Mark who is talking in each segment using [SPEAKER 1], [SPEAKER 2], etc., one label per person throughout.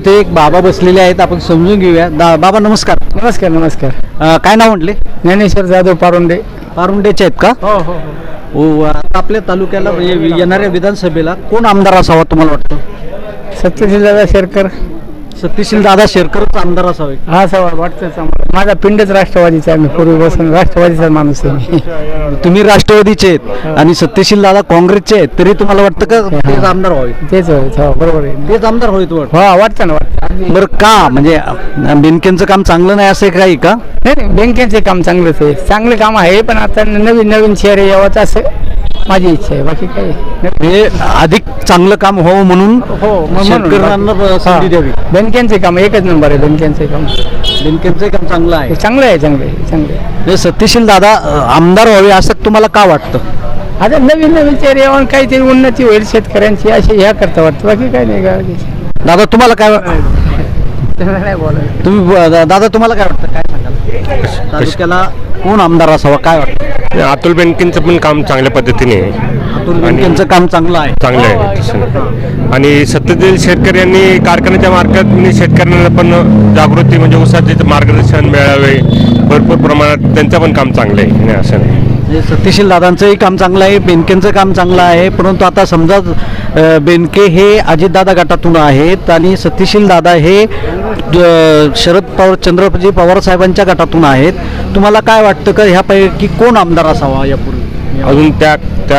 [SPEAKER 1] इथे एक बाबा बसलेले आहेत, आपण समजून घेऊया. बाबा नमस्कार.
[SPEAKER 2] नमस्कार नमस्कार.
[SPEAKER 1] काय नाव म्हटले?
[SPEAKER 2] ज्ञानेश्वर जाधव पारुंडे.
[SPEAKER 1] पारुंडेचे आहेत का?
[SPEAKER 2] हो हो
[SPEAKER 1] हो. आता आपल्या तालुक्याला येणाऱ्या विधानसभेला कोण आमदार असावा तुम्हाला वाटतं?
[SPEAKER 2] सत्यशील दादा शेरकर.
[SPEAKER 1] सत्यशील दादा शेरकरच आमदार असावे.
[SPEAKER 2] हा सवाल वाटतंच आम्हाला. माझा पिंडच राष्ट्रवादीचा आहे. मी पूर्वीपासून राष्ट्रवादीचा माणूस आहे.
[SPEAKER 1] तुम्ही राष्ट्रवादीचे आहेत आणि सत्यशील दादा काँग्रेसचे आहेत, तरी तुम्हाला वाटतं का तेच आमदार व्हावे?
[SPEAKER 2] तेच हो, बरोबर आहे.
[SPEAKER 1] तेच आमदार होईल वाटतं.
[SPEAKER 2] हा वाटतं ना, वाटतं.
[SPEAKER 1] बरं, का म्हणजे बेनकेंचं काम चांगलं नाही असं काही का?
[SPEAKER 2] नाही नाही, बँकेचे काम चांगलंच आहे. चांगले काम आहे, पण आता नवीन नवीन शहर यावं असं माझी इच्छा आहे. बाकी काय
[SPEAKER 1] हे अधिक चांगलं काम व्हावं म्हणून शेतकऱ्यांना संधी द्यावी.
[SPEAKER 2] बँकेचे काम एकच नंबर आहे. बँकेचे काम,
[SPEAKER 1] बेनकेंचं काम चांगलं आहे.
[SPEAKER 2] चांगलं आहे, चांगलं आहे, चांगलं आहे.
[SPEAKER 1] म्हणजे सत्यशील दादा आमदार व्हावे असं तुम्हाला का वाटतं?
[SPEAKER 2] आता नवीन नवीन चेहरे येऊन काहीतरी उन्नती होईल शेतकऱ्यांची, अशी ह्या करता वाटतं. बाकी काय नाही का.
[SPEAKER 1] दादा तुम्हाला काय
[SPEAKER 2] नाही बोलायचं.
[SPEAKER 1] तुम्ही दादा तुम्हाला काय वाटतं? काय सांगाल? तालुक्याला कोण आमदार असावा काय वाटतं?
[SPEAKER 3] अतुल बेनकेंचं पण काम चांगल्या पद्धतीने आहे.
[SPEAKER 1] अतुल बेनकेंचं काम चांगलं आहे.
[SPEAKER 3] चांगलं आहे तसं नाही. आणि सत्यशील शेतकरी यांनी कारखान्याच्या मार्फत शेतकऱ्यांना पण जागृती म्हणजे ऊसाचे मार्गदर्शन मिळावे भरपूर प्रमाणात. त्यांचं पण काम चांगलं आहे, नाही असं नाही.
[SPEAKER 1] म्हणजे सत्यशील दादांचंही काम चांगलं आहे, बेनकेंचं काम चांगलं आहे. परंतु आता समजा बेनके हे अजितदादा गटातून आहेत आणि सत्यशील दादा हे शरद पवार चंद्रजी पवार साहेबांच्या गटातून आहेत. तुम्हाला काय वाटतं का ह्यापैकी कोण आमदार असावा यापूर्वी?
[SPEAKER 3] अजून त्या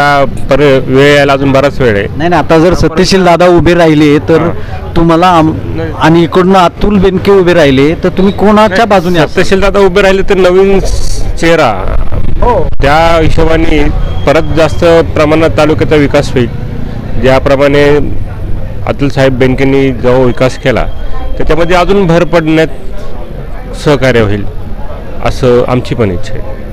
[SPEAKER 3] वेळ यायला अजून बराच वेळ आहे.
[SPEAKER 1] नाही, आता जर सत्यशील दादा उभे राहिले तर तुम्हाला आणि इकडनं अतुल बेनके उभे राहिले तर तुम्ही कोणाच्या बाजूने असाल?
[SPEAKER 3] सत्यशील दादा उभे राहिले तर नवीन चेहरा, त्या हिशोबाने परत जास्त प्रमाणात तालुक्याचा विकास होईल. ज्याप्रमाणे अतुल साहेब बेनकेंनी जो विकास केला त्याच्यामध्ये अजून भर पडण्यात सहकार्य होईल असं आमची पण इच्छा आहे.